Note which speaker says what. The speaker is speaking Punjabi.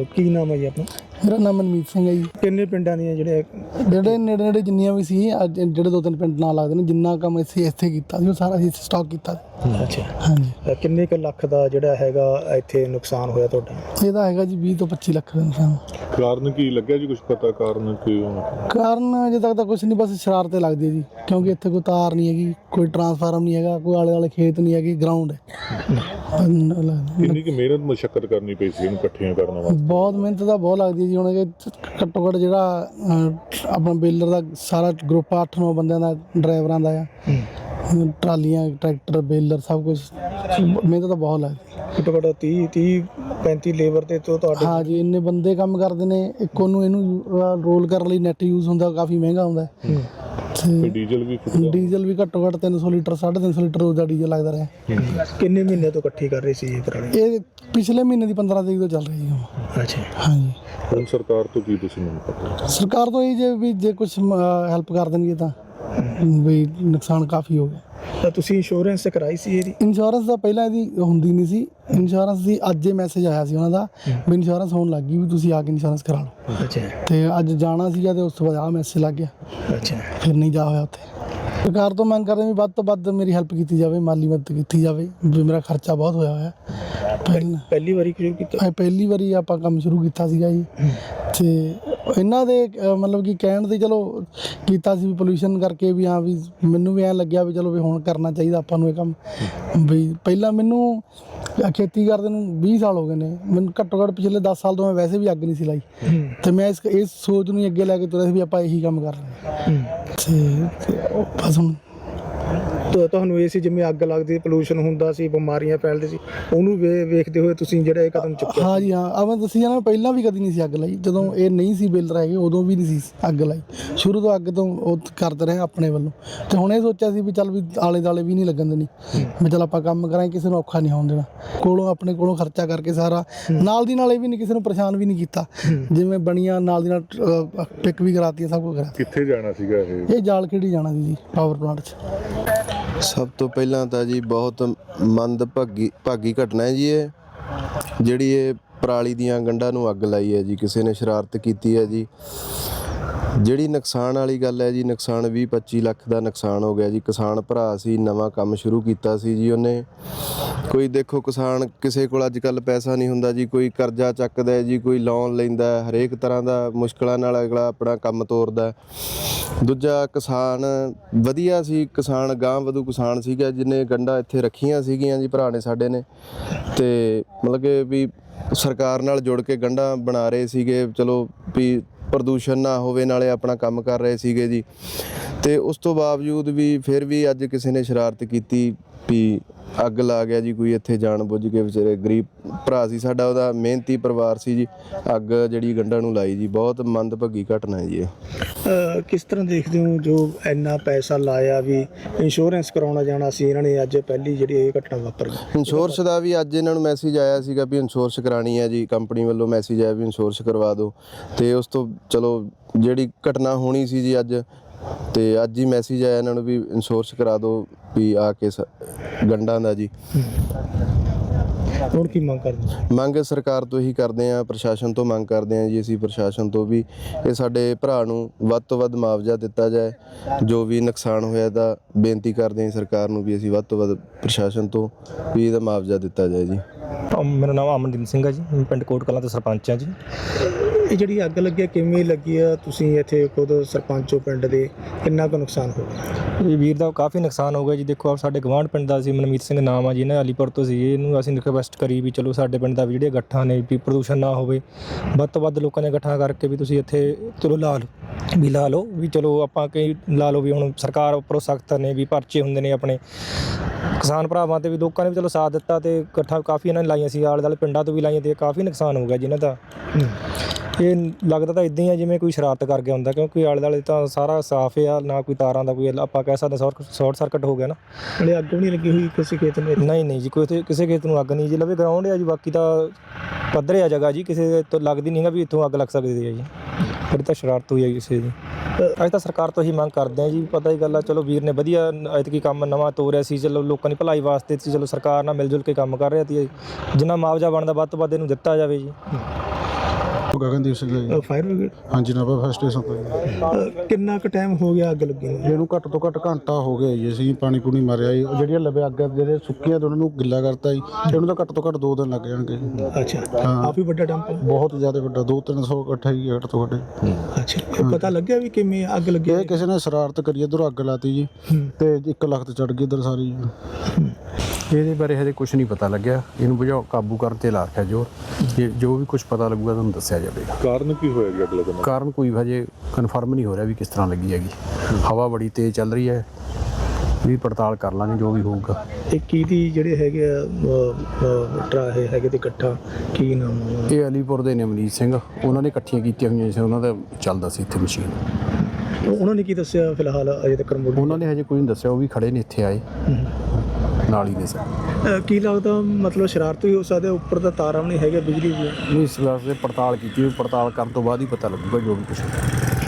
Speaker 1: ਕੀ ਨਾਮ ਹੈ ਜੀ ਆਪਣਾ?
Speaker 2: ਮੇਰਾ ਨਾਮ ਮਨਮੀਤ ਸਿੰਘ ਹੈ ਜੀ।
Speaker 1: ਕਿੰਨੇ ਪਿੰਡਾਂ ਦੀਆਂ
Speaker 2: ਜਿਹੜੇ ਨੇੜੇ ਨੇੜੇ ਜਿੰਨੀਆਂ ਵੀ ਸੀ ਅੱਜ ਜਿਹੜੇ 2-3 ਪਿੰਡ ਨਾਲ ਲੱਗਦੇ ਨੇ, ਜਿੰਨਾ ਕੰਮ ਅਸੀਂ ਇੱਥੇ ਕੀਤਾ ਸੀ ਉਹ ਸਾਰਾ ਅਸੀਂ ਸਟਾਕ ਕੀਤਾ।
Speaker 1: ਅੱਛਾ,
Speaker 2: ਹਾਂਜੀ।
Speaker 1: ਕਿੰਨੇ ਕੁ ਲੱਖ ਦਾ ਜਿਹੜਾ ਹੈਗਾ ਇੱਥੇ ਨੁਕਸਾਨ ਹੋਇਆ ਤੁਹਾਡਾ?
Speaker 2: ਇਹਦਾ ਹੈਗਾ ਜੀ 20 ਤੋਂ 25 ਲੱਖ ਦਾ ਨੁਕਸਾਨ।
Speaker 3: ਕਾਰਨ ਕੀ ਲੱਗਿਆ ਜੀ, ਕੁਝ ਪਤਾ ਕਾਰਨ ਕੀ ਹੋਣਾ?
Speaker 2: ਕਾਰਨ ਅਜੇ ਤੱਕ ਤਾਂ ਕੁਝ ਨਹੀਂ, ਬਸ ਸ਼ਰਾਰਤ ਲੱਗਦੀ ਹੈ ਜੀ, ਕਿਉਂਕਿ ਇੱਥੇ ਕੋਈ ਤਾਰ ਨਹੀਂ ਹੈਗੀ, ਕੋਈ ਟਰਾਂਸਫਾਰਮ ਨਹੀਂ ਹੈਗਾ, ਕੋਈ ਆਲੇ ਦੁਆਲੇ ਖੇਤ ਨਹੀਂ ਹੈਗੀ, ਗਰਾਊਂਡ ਹੈ।
Speaker 3: ਕਿੰਨੀ ਕੁ ਮਿਹਨਤ ਮੁਸ਼ੱਕਤ ਕਰਨੀ ਪਈ ਸੀ ਇਹਨੂੰ ਇਕੱਠੀਆਂ ਕਰਨ ਵਾਸਤੇ?
Speaker 2: ਬਹੁਤ ਮਿਹਨਤ ਤਾਂ ਬਹੁਤ ਲੱਗਦੀ ਹੈ ਜੀ। ਹੁਣ ਘੱਟੋ ਘੱਟ ਜਿਹੜਾ ਆਪਣਾ ਬੇਲਰ ਦਾ ਸਾਰਾ ਗਰੁੱਪ 8-9 ਬੰਦਿਆਂ ਦਾ, ਡਰਾਈਵਰਾਂ ਦਾ ਆ, ਟਰਾਲੀਆਂ, ਟਰੈਕਟਰ, ਬੇਲਰ, ਸਭ ਕੁਝ, ਮਿਹਨਤ ਤਾਂ ਬਹੁਤ ਲੱਗਦੀ।
Speaker 1: ਘੱਟੋ ਘੱਟ 30-35 ਲੇਬਰ ਤੇ ਤੁਹਾਡੇ?
Speaker 2: ਹਾਂ ਜੀ, ਇੰਨੇ ਬੰਦੇ ਕੰਮ ਕਰਦੇ ਨੇ। ਇੱਕ ਇਹਨੂੰ ਰੋਲ ਕਰਨ ਲਈ ਨੈਟ ਯੂਜ਼ ਹੁੰਦਾ, ਕਾਫੀ ਮਹਿੰਗਾ ਹੁੰਦਾ।
Speaker 3: ਤੇ ਡੀਜ਼ਲ
Speaker 2: ਵੀ ਘੱਟੋ ਘੱਟ 300 ਲੀਟਰ 350 ਲੀਟਰ ਦਾ ਡੀਜ਼ਲ ਲੱਗਦਾ ਰਿਹਾ।
Speaker 1: ਕਿੰਨੇ ਮਹੀਨੇ ਤੋਂ ਇਕੱਠੀ ਕਰ ਰਹੇ ਸੀ ਇਹ ਪਰਾਲੀ?
Speaker 2: ਇਹ ਪਿਛਲੇ ਮਹੀਨੇ ਦੀ 15 ਤਰੀਕ ਤੋਂ ਚੱਲ ਰਹੀ ਹੈ।
Speaker 1: ਅੱਛਾ,
Speaker 2: ਹਾਂਜੀ।
Speaker 3: ਹੁਣ ਸਰਕਾਰ ਤੋਂ ਕੀ ਤੁਸੀਂ ਮੰਗ ਕਰਦੇ?
Speaker 2: ਸਰਕਾਰ ਤੋਂ ਇਹ ਜੇ ਕੁਝ ਹੈਲਪ ਕਰ ਦੇਣਗੇ ਤਾਂ ਵੀ ਨੁਕਸਾਨ ਕਾਫੀ ਹੋ ਗਿਆ।
Speaker 1: ਤਾਂ ਤੁਸੀਂ ਇੰਸ਼ੋਰੈਂਸ ਕਰਾਈ ਸੀ ਇਹਦੀ?
Speaker 2: ਇੰਸ਼ੋਰੈਂਸ ਦਾ ਪਹਿਲਾਂ ਇਹਦੀ ਹੁੰਦੀ ਨਹੀਂ ਸੀ। ਇੰਸ਼ੋਰੈਂਸ ਦੀ ਅੱਜ ਇਹ ਮੈਸੇਜ ਆਇਆ ਸੀ ਉਹਨਾਂ ਦਾ ਵੀ ਇੰਸ਼ੋਰੈਂਸ ਹੋਣ ਲੱਗ ਗਈ, ਵੀ ਤੁਸੀਂ ਆ ਕੇ ਇੰਸ਼ੋਰੈਂਸ ਕਰਾ ਲਓ।
Speaker 1: ਅੱਛਾ।
Speaker 2: ਤੇ ਅੱਜ ਜਾਣਾ ਸੀਗਾ ਤੇ ਉਸ ਤੋਂ ਬਾਅਦ ਆਹ ਮੈਸੇਜ ਲੱਗ ਗਿਆ।
Speaker 1: ਅੱਛਾ,
Speaker 2: ਫਿਰ ਨਹੀਂ ਜਾ ਹੋਇਆ ਉੱਥੇ। ਸਰਕਾਰ ਤੋਂ ਮੰਗ ਕਰਦੇ ਵੀ ਵੱਧ ਤੋਂ ਵੱਧ ਮੇਰੀ ਹੈਲਪ ਕੀਤੀ ਜਾਵੇ, ਮਾਲੀ ਮਦਦ ਕੀਤੀ ਜਾਵੇ, ਵੀ ਮੇਰਾ ਖਰਚਾ ਬਹੁਤ ਹੋਇਆ।
Speaker 1: ਪਹਿਲੀ ਵਾਰੀ ਸ਼ੁਰੂ ਕੀਤਾ?
Speaker 2: ਪਹਿਲੀ ਵਾਰੀ ਆਪਾਂ ਕੰਮ ਸ਼ੁਰੂ ਕੀਤਾ ਸੀਗਾ ਜੀ। ਤੇ ਇਹਨਾਂ ਦੇ ਮਤਲਬ ਕਿ ਕਹਿਣ ਦੇ ਚਲੋ ਕੀਤਾ ਸੀ, ਵੀ ਪੋਲਿਊਸ਼ਨ ਕਰਕੇ, ਵੀ ਹਾਂ ਵੀ ਮੈਨੂੰ ਵੀ ਐਂ ਲੱਗਿਆ ਵੀ ਚਲੋ ਵੀ ਹੁਣ ਕਰਨਾ ਚਾਹੀਦਾ ਆਪਾਂ ਨੂੰ ਇਹ ਕੰਮ। ਵੀ ਪਹਿਲਾਂ ਮੈਨੂੰ ਖੇਤੀ ਕਰਦੇ ਨੂੰ 20 ਸਾਲ ਹੋ ਗਏ ਨੇ, ਮੈਨੂੰ ਘੱਟੋ ਘੱਟ ਪਿਛਲੇ 10 ਸਾਲ ਤੋਂ ਮੈਂ ਵੈਸੇ ਵੀ ਅੱਗ ਨਹੀਂ ਸੀ ਲਾਈ। ਤੇ ਮੈਂ ਇਸ ਸੋਚ ਨੂੰ ਅੱਗੇ ਲੈ ਕੇ ਤੁਰਿਆ ਸੀ ਵੀ ਆਪਾਂ ਇਹੀ ਕੰਮ ਕਰਨਾ। ਤੇ ਬਸ ਹੁਣ
Speaker 1: ਤੁਹਾਨੂੰ ਇਹ ਸੀ ਜਿਵੇਂ ਅੱਗ ਲੱਗਦੀ, ਪੋਲਿਊਸ਼ਨ ਹੁੰਦਾ ਸੀ, ਬਿਮਾਰੀਆਂ ਫੈਲਦੀ ਸੀ, ਉਹਨੂੰ ਵੇਖਦੇ ਹੋਏ ਤੁਸੀਂ ਜਿਹੜਾ ਇਹ ਕਦਮ ਚੁੱਕਿਆ?
Speaker 2: ਹਾਂ ਜੀ, ਹਾਂ। ਆ ਮੈਂ ਦੱਸੀ ਜਾਣਾ, ਪਹਿਲਾਂ ਵੀ ਕਦੀ ਨਹੀਂ ਸੀ ਅੱਗ ਲਾਈ। ਜਦੋਂ ਇਹ ਨਹੀਂ ਸੀ ਬੇਲਰ ਹੈਗੇ ਉਦੋਂ ਵੀ ਨਹੀਂ ਸੀ ਅੱਗ ਲਾਈ। ਸ਼ੁਰੂ ਤੋਂ ਅੱਗ ਤੋਂ ਉਹ ਕਰਦੇ ਰਹੇ ਆਪਣੇ ਵੱਲੋਂ। ਤੇ ਹੁਣ ਇਹ ਸੋਚਿਆ ਸੀ ਵੀ ਚੱਲ ਵੀ ਆਲੇ ਦੁਆਲੇ ਵੀ ਨਹੀਂ ਲੱਗਣ ਦੇਣੀ, ਵੀ ਚੱਲ ਆਪਾਂ ਕੰਮ ਕਰਾਂਗੇ, ਕਿਸੇ ਨੂੰ ਔਖਾ ਨਹੀਂ ਹੋਣ ਦੇਣਾ। ਆਪਣੇ ਕੋਲੋਂ ਖਰਚਾ ਕਰਕੇ ਸਾਰਾ, ਨਾਲ ਦੀ ਨਾਲ ਇਹ ਵੀ ਨਹੀਂ ਕਿਸੇ ਨੂੰ ਪਰੇਸ਼ਾਨ ਵੀ ਨਹੀਂ ਕੀਤਾ। ਜਿਵੇਂ ਬਣੀਆਂ ਨਾਲ ਦੀ ਨਾਲ ਪਿਕ ਵੀ ਕਰਾਤੀ, ਸਭ ਕੁਝ ਕਰਾਤੀ।
Speaker 3: ਕਿੱਥੇ ਜਾਣਾ ਸੀਗਾ ਇਹ?
Speaker 2: ਜਾਲਖੇੜੀ ਜਾਣਾ ਸੀ ਜੀ, ਪਾਵਰ ਪਲਾਂਟ 'ਚ।
Speaker 4: ਸਭ ਤੋਂ ਪਹਿਲਾਂ ਤਾਂ ਜੀ ਬਹੁਤ ਮੰਦਭਾਗੀ ਘਟਨਾ ਹੈ ਜੀ ਇਹ, ਜਿਹੜੀ ਇਹ ਪਰਾਲੀ ਦੀਆਂ ਗੰਢਾਂ ਨੂੰ ਅੱਗ ਲਾਈ ਹੈ ਜੀ, ਕਿਸੇ ਨੇ ਸ਼ਰਾਰਤ ਕੀਤੀ ਹੈ ਜੀ। ਜਿਹੜੀ ਨੁਕਸਾਨ ਵਾਲੀ ਗੱਲ ਹੈ ਜੀ, ਨੁਕਸਾਨ 20-25 ਲੱਖ ਦਾ ਨੁਕਸਾਨ ਹੋ ਗਿਆ ਜੀ। ਕਿਸਾਨ ਭਰਾ ਸੀ, ਨਵਾਂ ਕੰਮ ਸ਼ੁਰੂ ਕੀਤਾ ਸੀ ਜੀ ਉਹਨੇ। ਕੋਈ ਦੇਖੋ ਕਿਸਾਨ, ਕਿਸੇ ਕੋਲ ਅੱਜ ਕੱਲ੍ਹ ਪੈਸਾ ਨਹੀਂ ਹੁੰਦਾ ਜੀ, ਕੋਈ ਕਰਜ਼ਾ ਚੱਕਦਾ ਹੈ ਜੀ, ਕੋਈ ਲੋਨ ਲੈਂਦਾ, ਹਰੇਕ ਤਰ੍ਹਾਂ ਦਾ ਮੁਸ਼ਕਲਾਂ ਨਾਲ ਅਗਲਾ ਆਪਣਾ ਕੰਮ ਤੋਰਦਾ। ਦੂਜਾ ਕਿਸਾਨ ਵਧੀਆ ਸੀ, ਕਿਸਾਨ ਗਾਂਹ ਵਧੂ ਕਿਸਾਨ ਸੀਗਾ, ਜਿਹਨੇ ਗੰਢਾਂ ਇੱਥੇ ਰੱਖੀਆਂ ਸੀਗੀਆਂ ਜੀ ਭਰਾ ਨੇ ਸਾਡੇ ਨੇ। ਤੇ ਮਤਲਬ ਕਿ ਵੀ ਸਰਕਾਰ ਨਾਲ ਜੁੜ ਕੇ ਗੰਢਾਂ ਬਣਾ ਰਹੇ ਸੀਗੇ, ਚਲੋ ਵੀ ਪ੍ਰਦੂਸ਼ਣ ਨਾ ਹੋਵੇ, ਨਾਲੇ ਆਪਣਾ ਕੰਮ ਕਰ ਰਹੇ ਸੀਗੇ ਜੀ। ਤੇ ਉਸ ਤੋਂ ਬਾਵਜੂਦ ਵੀ ਫਿਰ ਵੀ ਅੱਜ ਕਿਸੇ ਨੇ ਸ਼ਰਾਰਤ ਕੀਤੀ ਵੀ ਅੱਗ ਲਾ ਗਿਆ ਜੀ ਕੋਈ ਇੱਥੇ, ਜਾਣ ਬੁੱਝ ਕੇ। ਵਿਚਾਰੇ ਗਰੀਬ ਭਰਾ ਸੀ ਸਾਡਾ, ਉਹਦਾ ਮਿਹਨਤੀ ਪਰਿਵਾਰ ਸੀ ਜੀ, ਅੱਗ ਜਿਹੜੀ ਗੰਢਾਂ ਨੂੰ ਲਾਈ ਜੀ। ਬਹੁਤ ਮੰਦਭਾਗੀ ਘਟਨਾ ਹੈ ਜੀ ਇਹ।
Speaker 1: ਕਿਸ ਤਰ੍ਹਾਂ ਦੇਖਦੇ ਹੋ ਜੋ ਇੰਨਾ ਪੈਸਾ ਲਾਇਆ, ਵੀ ਇੰਸ਼ੋਰੈਂਸ ਕਰਾਉਣਾ ਜਾਣਾ ਸੀ, ਇਹਨਾਂ ਨੇ ਅੱਜ ਪਹਿਲੀ ਜਿਹੜੀ ਇਹ ਘਟਨਾ ਵਾਪਰ ਗਈ?
Speaker 4: ਇੰਸ਼ੋਰੈਂਸ ਦਾ ਵੀ ਅੱਜ ਇਹਨਾਂ ਨੂੰ ਮੈਸੇਜ ਆਇਆ ਸੀਗਾ ਵੀ ਇੰਸ਼ੋਰੈਂਸ ਕਰਾਉਣੀ ਹੈ ਜੀ, ਕੰਪਨੀ ਵੱਲੋਂ ਮੈਸੇਜ ਆਇਆ ਵੀ ਇੰਸ਼ੋਰੈਂਸ ਕਰਵਾ ਦਿਓ। ਤੇ ਉਸ ਤੋਂ ਚਲੋ ਜਿਹੜੀ ਘਟਨਾ ਹੋਣੀ ਸੀ ਜੀ ਅੱਜ, ਤੇ ਅੱਜ ਹੀ ਮੈਸੇਜ ਆਇਆ ਇਹਨਾਂ ਨੂੰ ਵੀ ਇੰਸ਼ੋਰੈਂਸ ਕਰਾ ਦਿਓ ਵੀ ਆ ਕੇ ਗੰਢਾਂ ਦਾ ਜੀ।
Speaker 1: ਹੁਣ ਕੀ ਮੰਗ ਕਰਦੇ?
Speaker 4: ਮੰਗ ਸਰਕਾਰ ਤੋਂ ਹੀ ਕਰਦੇ ਹਾਂ, ਪ੍ਰਸ਼ਾਸਨ ਤੋਂ ਮੰਗ ਕਰਦੇ ਹਾਂ ਜੀ ਅਸੀਂ, ਪ੍ਰਸ਼ਾਸਨ ਤੋਂ ਵੀ ਇਹ ਸਾਡੇ ਭਰਾ ਨੂੰ ਵੱਧ ਤੋਂ ਵੱਧ ਮੁਆਵਜ਼ਾ ਦਿੱਤਾ ਜਾਏ। ਜੋ ਵੀ ਨੁਕਸਾਨ ਹੋਇਆ ਤਾਂ ਬੇਨਤੀ ਕਰਦੇ ਹਾਂ ਸਰਕਾਰ ਨੂੰ ਵੀ ਅਸੀਂ ਵੱਧ ਤੋਂ ਵੱਧ ਪ੍ਰਸ਼ਾਸਨ ਤੋਂ ਵੀ ਇਹਦਾ ਮੁਆਵਜ਼ਾ ਦਿੱਤਾ ਜਾਏ ਜੀ।
Speaker 5: ਮੇਰਾ ਨਾਮ ਅਮਨਦੀਪ ਸਿੰਘ ਹੈ ਜੀ, ਮੈਂ ਪਿੰਡ ਕੋਟ ਕਲਾਂ ਤੋਂ ਸਰਪੰਚ ਹਾਂ ਜੀ।
Speaker 1: ਇਹ ਜਿਹੜੀ ਅੱਗ ਲੱਗੀ ਕਿਵੇਂ ਲੱਗੀ ਆ? ਤੁਸੀਂ ਇੱਥੇ ਖੁਦ ਸਰਪੰਚ ਹੋ ਪਿੰਡ ਦੇ, ਕਿੰਨਾ ਕੁ ਨੁਕਸਾਨ ਹੋ ਗਿਆ?
Speaker 5: ਇਹ ਵੀਰ ਦਾ ਕਾਫੀ ਨੁਕਸਾਨ ਹੋ ਗਿਆ ਜੀ। ਦੇਖੋ ਸਾਡੇ ਗਵਾਂਢ ਪਿੰਡ ਦਾ ਸੀ, ਮਨਮੀਤ ਸਿੰਘ ਨਾਮ ਆ ਜੀ, ਇਹਨਾਂ ਅਲੀਪੁਰ ਤੋਂ ਸੀ। ਇਹਨੂੰ ਅਸੀਂ ਰਿਕਵੈਸਟ ਕਰੀ ਵੀ ਚਲੋ ਸਾਡੇ ਪਿੰਡ ਦਾ ਵੀ ਜਿਹੜੀਆਂ ਗੱਠਾਂ ਨੇ ਵੀ ਪ੍ਰਦੂਸ਼ਣ ਨਾ ਹੋਵੇ, ਵੱਧ ਤੋਂ ਵੱਧ ਲੋਕਾਂ ਨੇ ਇਕੱਠਾ ਕਰਕੇ ਵੀ ਤੁਸੀਂ ਇੱਥੇ ਚਲੋ ਲਾ ਲਓ ਵੀ ਚਲੋ ਆਪਾਂ ਕਈ ਲਾ ਲਓ ਵੀ ਹੁਣ ਸਰਕਾਰ ਉੱਪਰੋਂ ਸਖਤ ਨੇ ਵੀ ਪਰਚੇ ਹੁੰਦੇ ਨੇ ਆਪਣੇ ਕਿਸਾਨ ਭਰਾਵਾਂ ਤੇ ਵੀ, ਲੋਕਾਂ ਨੇ ਵੀ ਚਲੋ ਸਾਥ ਦਿੱਤਾ ਤੇ ਇਕੱਠਾ ਕਾਫੀ ਇਹਨਾਂ ਨੇ ਲਾਈਆਂ ਸੀ, ਆਲੇ ਦੁਆਲੇ ਪਿੰਡਾਂ ਤੋਂ ਵੀ ਲਾਈਆਂ ਤੇ ਕਾਫੀ ਨੁਕਸਾਨ ਹੋ ਗਿਆ ਜੀ ਇਹਨਾਂ ਦਾ। ਇਹ ਲੱਗਦਾ ਤਾਂ ਇਦਾਂ ਹੀ ਆ ਜਿਵੇਂ ਕੋਈ ਸ਼ਰਾਰਤ ਕਰ ਗਿਆ ਹੁੰਦਾ, ਕਿਉਂਕਿ ਆਲੇ ਦੁਆਲੇ ਤਾਂ ਸਾਰਾ ਸਾਫ਼ ਆ, ਨਾ ਕੋਈ ਤਾਰਾਂ ਦਾ ਕੋਈ ਆਪਾਂ ਕਹਿ ਸਕਦੇ ਸ਼ਾਰਟ ਸਰਕਟ ਹੋ ਗਿਆ ਨਾ।
Speaker 1: ਹਲੇ ਅੱਗ ਵੀ ਨਹੀਂ ਲੱਗੀ ਹੋਈ ਕਿਸੇ ਖੇਤ ਨੂੰ?
Speaker 5: ਨਹੀਂ ਜੀ, ਕੋਈ ਕਿਸੇ ਖੇਤ ਨੂੰ ਅੱਗ ਨਹੀਂ ਜੀ। ਲਵੇ ਗਰਾਊਂਡ ਆ ਜੀ, ਬਾਕੀ ਤਾਂ ਪੱਧਰ ਆ ਜਗ੍ਹਾ ਜੀ, ਕਿਸੇ ਤੋਂ ਲੱਗਦੀ ਨਹੀਂ ਗਾ ਵੀ ਇੱਥੋਂ ਅੱਗ ਲੱਗ ਸਕਦੀ ਹੈ ਜੀ। ਫਿਰ ਤਾਂ ਸ਼ਰਾਰਤ ਹੋਈ ਹੈ ਕਿਸੇ ਦੀ। ਅੱਜ ਤਾਂ ਸਰਕਾਰ ਤੋਂ ਹੀ ਮੰਗ ਕਰਦੇ ਹਾਂ ਜੀ। ਪਤਾ ਹੀ ਗੱਲ ਆ, ਚਲੋ ਵੀਰ ਨੇ ਵਧੀਆ ਐਤਕੀ ਕੰਮ ਨਵਾਂ ਤੋਰਿਆ ਸੀ, ਚਲੋ ਲੋਕਾਂ ਦੀ ਭਲਾਈ ਵਾਸਤੇ ਸੀ, ਚਲੋ ਸਰਕਾਰ ਨਾਲ ਮਿਲ ਜੁਲ ਕੇ ਕੰਮ ਕਰ ਰਿਹਾ ਸੀ। ਜਿੰਨਾ ਮੁਆਵਜ਼ਾ ਬਣਦਾ ਵੱਧ ਤੋਂ ਵੱਧ ਇਹਨੂੰ ਦਿੱਤਾ ਜਾਵੇ ਜੀ।
Speaker 6: ਗਗਨਦੀਪ ਸਿੰਘ ਹੈ ਜੀ।
Speaker 1: Fire brigade.
Speaker 6: ਹਾਂਜੀ ਨਾਭਾ ਫਾਇਰ ਸਟੇਸ਼ਨ ਤੋਂ ਜੀ।
Speaker 1: ਕਿੰਨਾ ਕੁ ਟਾਈਮ ਹੋ ਗਿਆ ਅੱਗ ਲੱਗੀ ਨੂੰ?
Speaker 6: ਇਹਨੂੰ ਘੱਟ ਤੋਂ ਘੱਟ ਘੰਟਾ ਹੋ ਗਿਆ ਜੀ। ਅਸੀਂ ਪਾਣੀ ਪੂਣੀ ਮਾਰਿਆ ਜੀ। ਉਹ ਜਿਹੜੀਆਂ ਲਵੇ ਅੱਗ ਜਿਹੜੇ ਸੁੱਕੀਆਂ ਤੇ ਉਹਨਾਂ ਨੂੰ ਗਿੱਲਾ ਕਰਤਾ ਜੀ। ਇਹਨੂੰ ਤਾਂ ਘੱਟ ਤੋਂ ਘੱਟ 2 ਦਿਨ ਲੱਗ ਜਾਣਗੇ ਜੀ।
Speaker 1: ਅੱਛਾ,
Speaker 6: ਹਾਂ।
Speaker 1: ਕਾਫੀ ਵੱਡਾ ਡੰਪ।
Speaker 6: ਬਹੁਤ ਜ਼ਿਆਦਾ ਵੱਡਾ 200-300 ਇਕੱਠਾ ਹੀ ਘੱਟ ਤੋਂ ਘੱਟ।
Speaker 1: ਅੱਛਾ, ਇਹ ਪਤਾ ਲੱਗਿਆ ਵੀ ਕਿਵੇਂ ਅੱਗ ਲੱਗੀ?
Speaker 6: ਇਹ ਕਿਸੇ ਨੇ ਸ਼ਰਾਰਤ ਕਰੀ ਇੱਧਰੋਂ ਅੱਗ ਲਾਤੀ ਜੀ ਤੇ 1 ਲੱਖ ਤੇ ਚੜ ਗਈ ਇੱਧਰ ਸਾਰੀ ਜੀ।
Speaker 7: ਇਹਦੇ ਬਾਰੇ ਹਜੇ ਕੁਝ ਨਹੀਂ ਪਤਾ ਲੱਗਿਆ। ਇਹਨੂੰ ਬੁਝਾਓ ਕਾਬੂ ਕਰਨ ਤੇ ਲਾ ਰੱਖਿਆ ਜੋ ਵੀ ਕੁਝ ਪਤਾ ਲੱਗੂਗਾ ਤੁਹਾਨੂੰ ਦੱਸਿਆ ਜਾਵੇਗਾ।
Speaker 3: ਕਾਰਨ ਕੀ ਹੋਇਆ ਜੀ ਅੱਗ ਲੱਗਣ ਦਾ?
Speaker 7: ਕਾਰਨ ਕੋਈ ਹਜੇ ਕਨਫਰਮ ਨਹੀਂ ਹੋ ਰਿਹਾ ਵੀ ਕਿਸ ਤਰ੍ਹਾਂ ਲੱਗੀ ਹੈਗੀ। ਹਵਾ ਬੜੀ ਤੇਜ਼ ਚੱਲ ਰਹੀ ਹੈ, ਵੀ ਪੜਤਾਲ ਕਰ ਲਾਂਗੇ ਜੋ ਵੀ ਹੋਊਗਾ।
Speaker 1: ਇਹ ਕੀ ਦੀ ਜਿਹੜੇ ਹੈਗੇ ਆ ਟਰਾਹੇ ਹੈਗੇ ਤੇ ਇਕੱਠਾ ਕੀ ਨਾਮ ਆ?
Speaker 7: ਇਹ ਅਲੀਪੁਰ ਦੇ ਨੇ ਅਮਰੀਤ ਸਿੰਘ, ਉਹਨਾਂ ਨੇ ਇਕੱਠੀਆਂ ਕੀਤੀਆਂ ਹੋਈਆਂ ਸੀ, ਉਹਨਾਂ ਦਾ ਚੱਲਦਾ ਸੀ ਇੱਥੇ ਮਸ਼ੀਨ।
Speaker 1: ਉਹਨਾਂ ਨੇ ਕੀ ਦੱਸਿਆ ਫਿਲਹਾਲ ਅਜੇ ਤੱਕ?
Speaker 7: ਉਹਨਾਂ ਨੇ ਹਜੇ ਕੋਈ ਨਹੀਂ ਦੱਸਿਆ, ਉਹ ਵੀ ਖੜੇ ਨੇ ਇੱਥੇ ਆਏ ਨਾਲ ਹੀ ਨੇ ਸਰ।
Speaker 1: ਕੀ ਲੱਗਦਾ ਮਤਲਬ ਸ਼ਰਾਰਤ ਵੀ ਹੋ ਸਕਦੀ ਹੈ? ਉੱਪਰ ਤਾਂ ਤਾਰਾਂ ਵੀ ਨਹੀਂ ਹੈਗੇ ਬਿਜਲੀ ਦੀਆਂ।
Speaker 7: ਨਹੀਂ, ਇਸ ਵਾਸਤੇ ਪੜਤਾਲ ਕੀਤੀ, ਪੜਤਾਲ ਕਰਨ ਤੋਂ ਬਾਅਦ ਹੀ ਪਤਾ ਲੱਗੂਗਾ ਜੋ ਵੀ ਕੁਛ।